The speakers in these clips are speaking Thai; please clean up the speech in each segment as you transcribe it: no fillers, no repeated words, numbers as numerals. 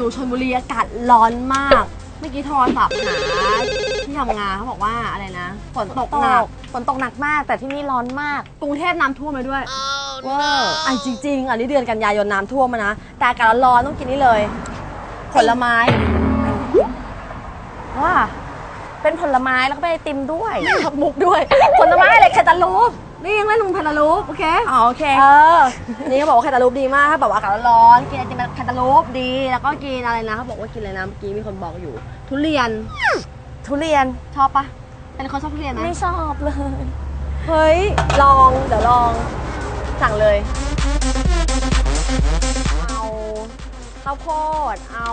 อยู่ชลบุรีอากาศร้อนมากเมื่อกี้โทรศัพท์หาที่ทำงานเขาบอกว่าอะไรนะฝนตกหนักมากแต่ที่นี่ร้อนมากกรุงเทพน้ำท่วมไปด้วยเวอร์จริงๆอันนี้เดือนกันยายนน้ำท่วมมานะแต่อากาศร้อนต้องกินนี่เลยผลไม้ว่าเป็นผลไม้แล้วก็เป็นไอติมด้วยขับมุกด้วยผลไม้อะไรแคตาลูปนี่ยังเล่นลุงแคตาลูปโอเคโอเคนี่เขาบอกว่าแคตาลูปดีมากถ้าแบบอากาศร้อนกินไอติมแคตาลูปดีแล้วก็กินอะไรนะเขาบอกว่ากินอะไรนะเมื่อกี้มีคนบอกอยู่ทุเรียนชอบปะเป็นคนชอบทุเรียนไหมไม่ชอบเลยเฮ้ยเดี๋ยวลองสั่งเลยเอาข้าวโพดเอา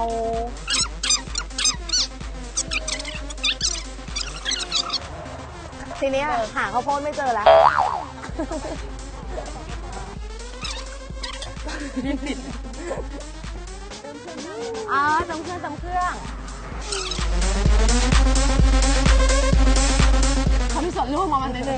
ทีนี้หาข้าวโพดไม่เจอแล้วจำเครื่องเขามีส่วนร่วมมามันนิดนึง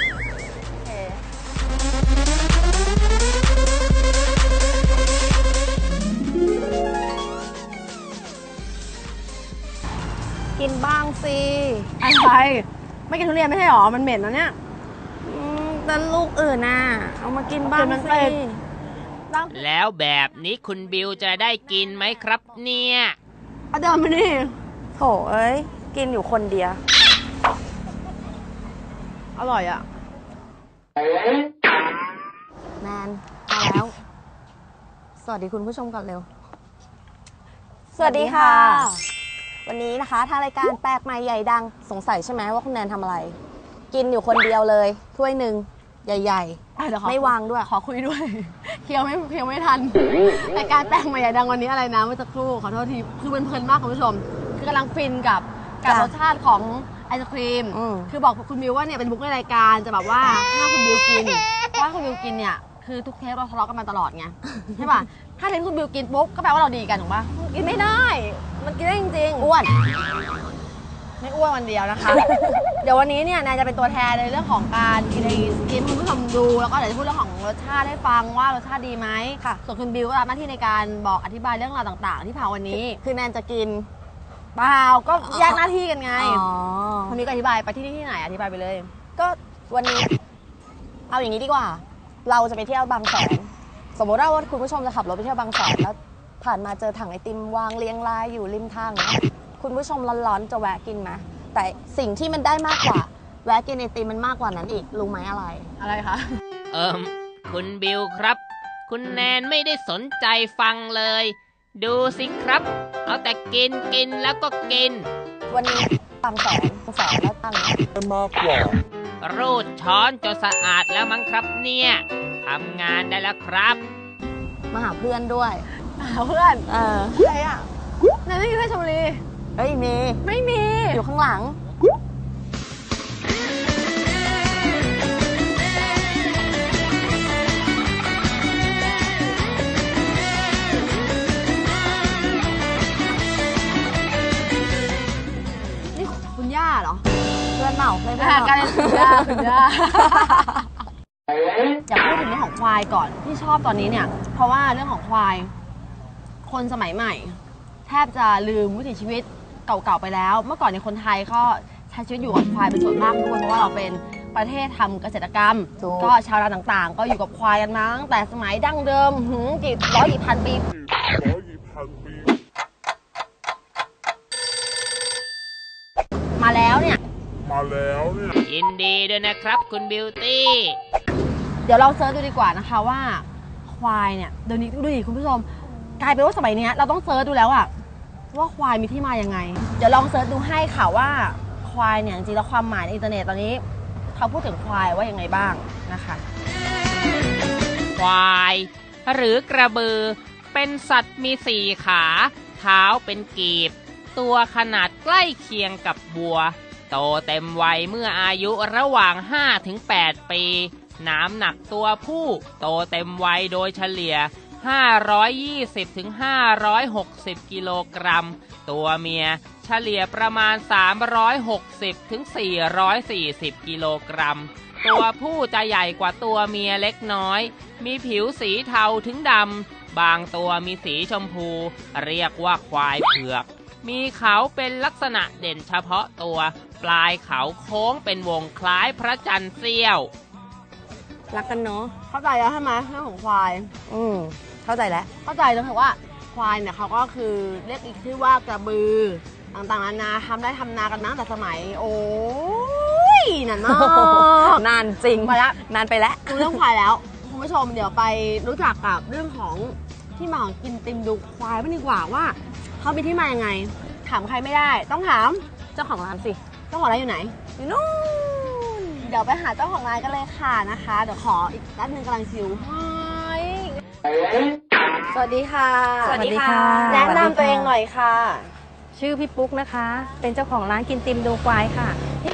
กินบ้างสิอะไรไม่กินทุเรียนไม่ใช่หรอมันเหม็นนะเนี่ยแต่ลูกอื่นน่ะเอามากินบ้างสิแล้วแบบนี้คุณบิวจะได้กินไหมครับเนี่ยเดินมานี่โถเอ้ยกินอยู่คนเดียวอร่อยอ่ะแมนมาแล้วสวัสดีคุณผู้ชมก่อนเร็วสวัสดีค่ะวันนี้นะคะทางรายการแปลกใหม่ใหญ่ดังสงสัยใช่ไหมว่าคุณแนนทำอะไรกินอยู่คนเดียวเลยถ้วยหนึ่งใหญ่ๆไม่วางด้วยขอคุยด้วยเคี้ยวไม่ทันรายการแปลกใหม่ใหญ่ดังวันนี้อะไรนะเมื่อสักครู่ขอโทษทีคือเพลินมากคุณผู้ชมคือกำลังฟินกับรสชาติของไอศครีมคือบอกคุณบิวว่าเนี่ยเป็นบุ๊กในรายการจะแบบว่าถ้าคุณบิวกินว่าคุณบิวกินเนี่ยคือทุกเทปเราทะเลาะกันมาตลอดไงใช่ป่ะถ้าเทปคุณบิวกินปุ๊บก็แปลว่าเราดีกันถูกป่ะกินไม่ได้มันกินได้จริงๆอ้วนไม่อ้วนวันเดียวนะคะ เดี๋ยววันนี้เนี่ยนายจะเป็นตัวแทนในเรื่องของการกินไอศกรีมให้คุณผู้ชมดูแล้วก็เดี๋ยวจะพูดเรื่องของรสชาติให้ฟังว่ารสชาติดีไหมค่ะส่วนคุณบิวก็รับหน้าที่ในการบอกอธิบายเรื่องราวต่างๆที่ผ่านวันนี้คือแนนจะกินเปล่าก็แยกหน้าที่กันไงคนนี้ก็อธิบายไปที่ไหนอธิบายไปเลยก็วันนี้เอาอย่างนี้ดีกว่าเราจะไปเที่ยวบางแสนสมมติว่าคุณผู้ชมจะขับรถไปเที่ยวบางแสนแล้วผ่านมาเจอถังไอติมวางเรียงรายอยู่ริมทางนะคุณผู้ชมร้อนๆจะแวะกินไหมแต่สิ่งที่มันได้มากกว่าแวะกินไอติมมันมากกว่านั้นอีกรู้ไหมอะไรคะคุณบิวครับคุณแนนไม่ได้สนใจฟังเลยดูสิครับเอาแต่กินแล้วก็กินวันนี้บางแสนแล้วตั้งมากกว่ารูดช้อนจนสะอาดแล้วมั้งครับเนี่ยทำงานได้แล้วครับมาหาเพื่อนด้วยหาเพื่อนใครอ่ะนายไม่มีเพื่อนชลบุรีเฮ้ยมีไม่มีอยู่ข้างหลังนี่คุณย่าเหรอเพื่อนเปล่าไม่เป็นกันคุณย่าอยากพูดถึงเรื่องของควายก่อนที่ชอบตอนนี้เนี่ยเพราะว่าเรื่องของควายคนสมัยใหม่แทบจะลืมวิถีชีวิตเก่าๆไปแล้วเมื่อก่อนในคนไทยก็ใช้ชีวิตอยู่กับควายเป็นส่วนมากด้วยเพราะว่าเราเป็นประเทศทำเกษตรกรรมก็ชาวนาต่างๆก็อยู่กับควายกันมาตั้งแต่สมัยดั้งเดิมกี่พันปีมาแล้วเนี่ยยินดีด้วยนะครับคุณบิวตี้เดี๋ยวเราเซิร์ชดูดีกว่านะคะว่าควายเนี่ยเดี๋ยวนี้ดูดิคุณผู้ชมกลายเป็นว่าสมัยนี้เราต้องเซิร์ชดูแล้วอะว่าควายมีที่มายังไงเดี๋ยวลองเซิร์ชดูให้ค่ะว่าควายเนี่ยจริงๆแล้วความหมายในอินเทอร์เน็ตตอนนี้เขาพูดถึงควายว่ายังไงบ้างนะคะควายหรือกระบือเป็นสัตว์มี4ขาเท้าเป็นกีบตัวขนาดใกล้เคียงกับวัวโตเต็มวัยเมื่ออายุระหว่าง 5-8 ปีน้ำหนักตัวผู้โตเต็มวัยโดยเฉลี่ย520-560 กิโลกรัมตัวเมียเฉลี่ยประมาณ360-440 กิโลกรัมตัวผู้จะใหญ่กว่าตัวเมียเล็กน้อยมีผิวสีเทาถึงดำบางตัวมีสีชมพูเรียกว่าควายเผือกมีเขาเป็นลักษณะเด่นเฉพาะตัวปลายเขาโค้งเป็นวงคล้ายพระจันทร์เสี้ยวรักกันเนาะเข้าใจแล้วใช่ไหมเรื่องของควายเข้าใจแล้วเข้าใจแล้วค่ะว่าควายเนี่ยเขาก็คือเรียกอีกชื่อว่ากระบือต่างๆนานาทำได้ทำนากันมาตั้งแต่สมัย โอ้ยนานมากนานจริงไปละนานไปแล้วดูเรื่องควายแล้วคุณผู้ชมเดี๋ยวไปรู้จักกับเรื่องของที่มาของกินติมดูควายบ้างดีกว่าว่าเขามีที่มายังไง ถามใครไม่ได้ ต้องถามเจ้าของร้านสิเจ้าของร้านอยู่ไหนอยู่นู่นเดี๋ยวไปหาเจ้าของร้านกันเลยค่ะนะคะ เดี๋ยวขออีกแป๊บนึงกำลังชิวสวัสดีค่ะสวัสดีค่ะแนะนำตัวเองหน่อยค่ะชื่อพี่ปุ๊กนะคะ เป็นเจ้าของร้านกินติมดูควายค่ะ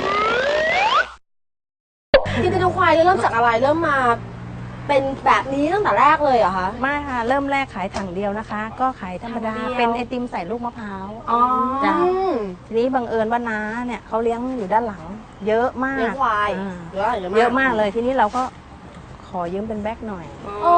กินติมดูควายเริ่มจากอะไรเริ่มมาเป็นแบบนี้ตั้งแต่แรกเลยเหรอคะไม่ค่ะ เริ่มแรกขายถังเดียวนะคะ ก็ขายธรรมดาถังเดียวเป็นไอติมใส่ลูกมะพร้าวอ๋อจ้ะ ทีนี้บังเอิญว่าน้าเนี่ยเขาเลี้ยงอยู่ด้านหลัง เยอะมากเลี้ยงควายอ่าเยเยอะอะมากเลย ทีนี้เราก็ขอยืมเป็นแบ็คหน่อยอ๋อ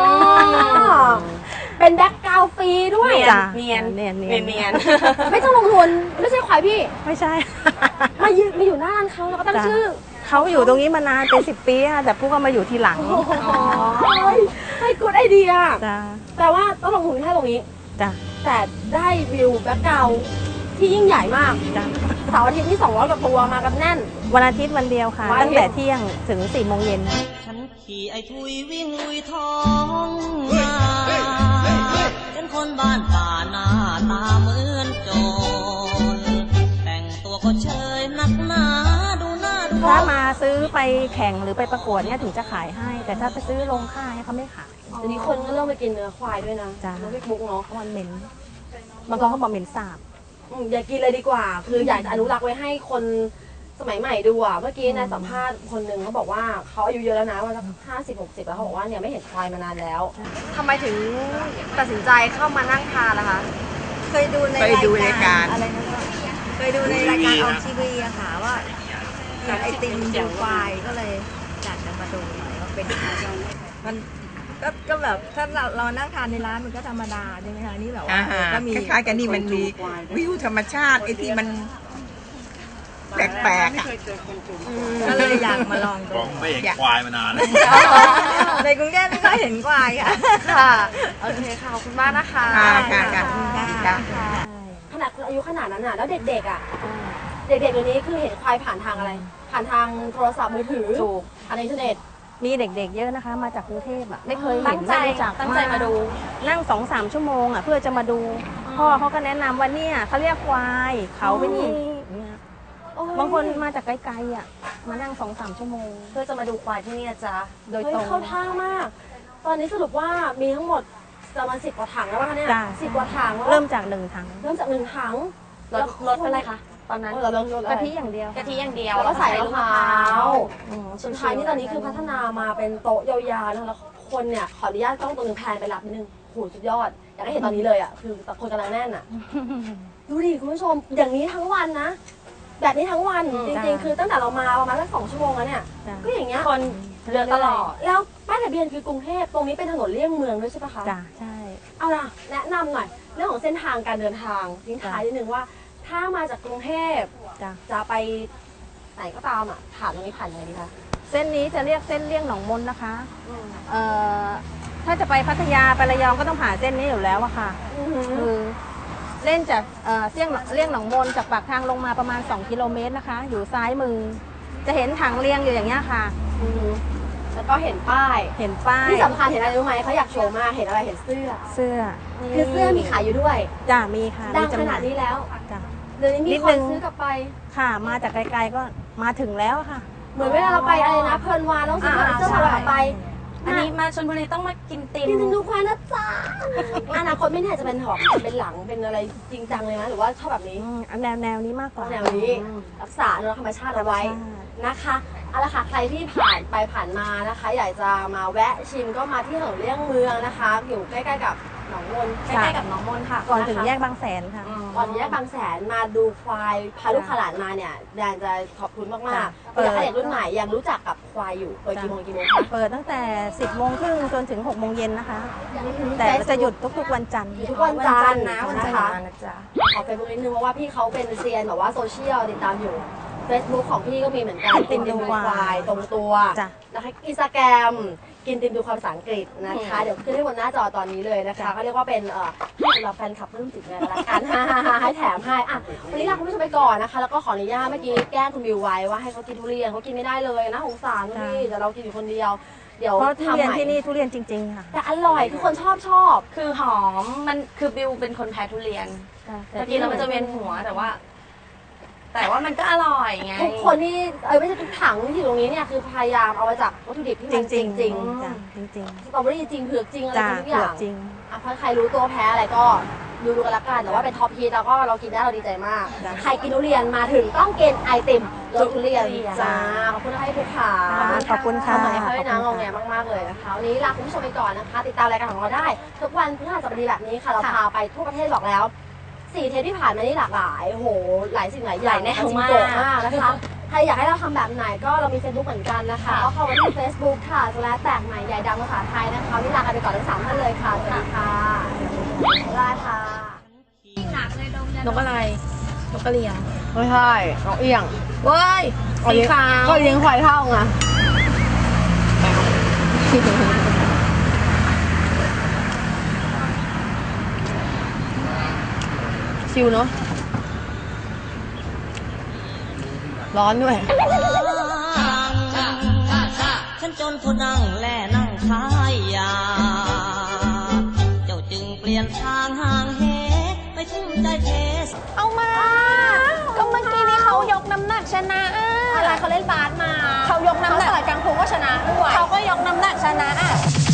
เป็นแบ็คกราวด์ฟรีด้วยจ้ะเนียนเนียนเนียนไม่ต้องลงทุนไม่ใช่ควายพี่ไม่ใช่มาอยู่หน้าร้านเขาแล้วก็ตั้งจ้ะชื่อเขาอยู่ตรงนี้มานานเป็น10 ปีค่ะแต่ปุ๊กก็มาอยู่ทีหลังให้กูดไอเดียจ้ะแต่ว่าต้องลงทุนแค่ตรงนี้จ้ะแต่ได้วิวแบ็คกราวด์ที่ยิ่งใหญ่มากจ้ะเสาร์อาทิตย์ที่200กว่าตัวมากันแน่นวันอาทิตย์วันเดียวค่ะวันอาทิตย์ตั้งแต่เที่ยงถึง4 โมงเย็นฉันขี่ไอ้ทุยวิ่งลุยท้องนาเป็นคนบ้านป่าหน้าตาเหมือนโจรแต่งตัวก็เชยนักหนาดูหน้าดูถ้ามาซื้อไปแข่งหรือไปประกวดเนี่ยถึงจะขายให้ แต่ถ้าไปซื้อลงค่ายเนี่ยเขาไม่ขายเดี๋ยวนี้คนก็เริ่มไปกินเนื้อควายด้วยนะจ้ะแล้วพี่บุ๊กเนาะเพราะมันเหม็นบางคนเขาบอกเหม็นสาบอย่ากินเลยดีกว่า คืออยากจะอนุรักษ์ไว้ให้คนสมัยใหม่ดูอ่ะ เมื่อกี้ในสัมภาษณ์คนหนึ่งเขาบอกว่าเขาอายุเยอะแล้วนะว่าสัก50-60 แล้วเขาบอกว่าเนี่ยไม่เห็นควายมานานแล้วทำไมถึงตัดสินใจเข้ามานั่งทานล่ะคะเคยดูในรายการอะไรนะเคยดูในรายการออกทีวีอะค่ะว่าเห็นไอติมดูควายก็เลยอยากจะมาดูหน่อยว่าเป็นยังไงมันก็แบบถ้าเรานั่งทานในร้านมันก็ธรรมดาใช่ไหมคะนี่แบบว่าก็มีคล้ายๆกันนี่มันมีวิวธรรมชาติไอ้ที่มันแปลกๆอ่ะก็เลยอยากมาลองดูบอกไม่เห็นควายมานานแล้วในกรุงเทพไม่ค่อยเห็นควายค่ะค่ะ โอเคค่ะ ขอบคุณมากนะคะค่ะขนาดคนอายุขนาดนั้นน่ะ แล้วเด็กๆอ่ะ เด็กๆเดี๋ยวนี้คือเห็นควายผ่านทางอะไร ผ่านทางโทรศัพท์มือถือถูกผ่านอินเทอร์เน็ตมีเด็กๆเยอะนะคะ มาจากกรุงเทพอ่ะไม่เคยตั้เห็นงใจไม่รู้จักตั้งใจมาดูนั่ง2-3 ชั่วโมงอ่ะเพื่อจะมาดู พ่อเขาก็แนะนำว่าเนี่ยเขาเรียกควายเขาเป็นนี้เนี่ยบางคนมาจากไกลๆอ่ะมานั่ง2-3 ชั่วโมงเพื่อจะมาดูควายที่นี่นะจ๊ะโดยเฮ้ตรงเข้าท่ามาก ตอนนี้สรุปว่ามีทั้งหมดประมาณ10 กว่าถังแล้วป่ะคะเนี่ยจ้ะ 10 กว่าถังแล้วเริ่มจาก1 ถังเริ่มจาก1 ถังรถเป็นไรคะตอนนั้นเราเริ่มกะทิอย่างเดียวกะทิอย่างเดียวแล้วก็ใส่มะพร้าวอืมสุดท้ายนี่ตอนนี้คือพัฒนามาเป็นโต๊ะยาวๆนะคะแล้วคนเนี่ยขออนุญาตกล้องตัวหนึงแพนไปรับนิดนึงโหสุดยอด อยากให้เห็นตอนนี้เลยอ่ะ คือคนกำลังแน่นอ่ะ ดูดิคุณผู้ชม อย่างนี้ทั้งวันนะ แบบนี้ทั้งวันจริงๆ คือตั้งแต่เรามาประมาณสัก2 ชั่วโมงแล้วเนี่ยจ้ะก็อย่างเงี้ยคนเรือตลอดแล้วป้ายทะเบียนคือกรุงเทพ ตรงนี้เป็นถนนเลี่ยงเมืองด้วยใช่ปะคะจ้ะใช่เอาล่ะ แนะนำหน่อย เรื่องของเส้นทางการเดินทางทิ้งท้ายนิดนึงว่า ถ้ามาจากกรุงเทพจ้ะจะไปไหนก็ตามอ่ะ ผ่านตรงนี้ผ่านยังไงดีคะเส้นนี้จะเรียกเส้นเลี่ยงหนองมนนะคะถ้าจะไปพัทยาไประยองก็ต้องผ่านเส้นนี้อยู่แล้วอะค่ะ คือเล่นจากเลี่ยงหนองมนจากปากทางลงมาประมาณ2 กิโลเมตรนะคะ อยู่ซ้ายมือ จะเห็นถังเรียงอยู่อย่างเงี้ยค่ะแล้วก็เห็นป้ายเห็นป้ายที่สำคัญเห็นอะไรรู้ไหมเขาอยากโชว์มาก เห็นอะไร เห็นเสื้อเสื้อคือเสื้อมีขายอยู่ด้วยจ้ะมีค่ะดังมีขจำหนาดนี้แล้วจ้ะเดี๋ยวนี้มีนิดคนึนงซื้อกลับไปค่ะ มาจากไกลๆก็มาถึงแล้วค่ะเหมือนเวลาเราไปอะไรนะเพลินวานต้องซื้อเสื้อผ้ากลับไปอันนี้มาชลบุรีต้องมากินติมกินจนดูควายนะจ๊ะอนาคตไม่แน่จะเป็นหอมเป็นหลังเป็นอะไรจริงจังเลยนะหรือว่าชอบแบบนี้แนวนี้มากกว่าแนวนี้รักษาอนุรักษ์ธรรมชาติเอาไว้นะคะเอาละค่ะใครที่ผ่านไปผ่านมานะคะ อยากจะมาแวะชิมก็มาที่ถนนเลี่ยงเมืองนะคะ อยู่ใกล้ๆกับหนองมนใกล้ๆกับหนองมนค่ะก่อนถึงะคะแยกบางแสนค่ะก่อนแยกบางแสนมาดูควายพาลูกขลานมาเนี่ยแดนจะขอบคุณมากๆเผื่อใครเด็กรุ่นใหม่ยังรู้จักกับควายอยู่เปิดกี่โมงคะเปิดตั้งแต่ 10 โมงครึ่งจนถึง 6 โมงเย็นนะคะ แต่จะหยุดทุกๆวันจันทร์ทุกวันจันทร์นะวันนะจันทคะร์นะจ๊ะขอเฟซบุ๊กนิดนึงเพราะว่าพี่เขาเป็นเซียนแบบว่าโซเชียลติดตามอยู่ Facebook ของพี่ก็มีเหมือนกันติมดูควายตรงตัวจ้ะนะคะอินสตาแกรมกินติมดูความภาษาอังกฤษนะคะเดี๋ยวขึ้นให้บนหน้าจอตอนนี้เลยนะคะก็เรียกว่าเป็นให้สำหรับแฟนคลับเพิ่มจิตเลยละกัน ให้แถมให้อ่ะวันนี้ลาคุณผู้ชมไปก่อนนะคะแล้วก็ขออนุญาตเมื่อกี้แกล้งคุณบิวไว้ว่าให้เขากินทุเรียนเขากินไม่ได้เลยนะสงสารพี่แต่เรากินอยู่คนเดียวเดี๋ยวเพราะทุทำเรียนใหม่ที่นี่ทุเรียนจริงๆค่ะแต่อร่อยทุกคนชอบคือหอมมันคือบิวเป็นคนแพ้ทุเรียนแต่กินแล้วมันจะเวียนหัวแต่ว่ามันก็อร่อยไงทุกคนที่ไม่ใช่ทุกถังที่อยู่ตรงนี้เนี่ยคือพยายามเอามาจากวัตถุดิบที่มันจริงจ้ะจริงสตรอเบอรี่จริงเผือกจริงอะไรจ้ะทุกอย่างจริงอ่ะถ้าใครรู้ตัวแพ้อะไรก็ดูกันละกันแต่ว่าเป็นท็อปฮีทแล้วก็เรากินได้เราดีใจมากจ้ะใครกินทุเรียนมาถึงต้องกินไอติมรสทุเรียนจ้าขอบคุณให้ทุกขาขอบคุณค่ะทำไมเขาให้น้ำงงแงมากๆเลยนะคะวันนี้ลาคุณผู้ชมไปก่อนนะคะ ติดตามรายการของเราได้ ทุกวันพฤหัสบดีแบบนี้ค่ะเราพาไปทั่วประเทศบอกแล้ว4 เทปที่ผ่านมานี่หลากหลายโอ้โหหลายสิ่งหลายอย่างหลายแนวจริงมากโด่งมากนะคะ ใครอยากให้เราทำแบบไหนก็เรามี Facebook เหมือนกันนะคะก็เข้ามาที่ Facebook ค่ะแตกใหม่ใหญ่ดังภาษาไทยนะคะวันนี้ลากันไปก่อนทั้ง3ท่านเลยค่ะสวัสดีค่ะลาค่ะนกอะไร นกกระเรียงไม่ใช่น้องเอียงเว้ย สีขาวก็เลี้ยงควายเท่าไงชิวเนาะร้อนด้วยฉันจนคนนั่งแล่นั่งขายยา เจ้าจึงเปลี่ยนทางห่างเหไปทุ่มใจเทเอามา ก็เมื่อกี้นี้เขายกน้ำหนักชนะอะไรเขาเล่นบาสมาเขายกน้ำหนักสายกังฟูก็ชนะด้วยเขาก็ยกน้ำหนักชนะ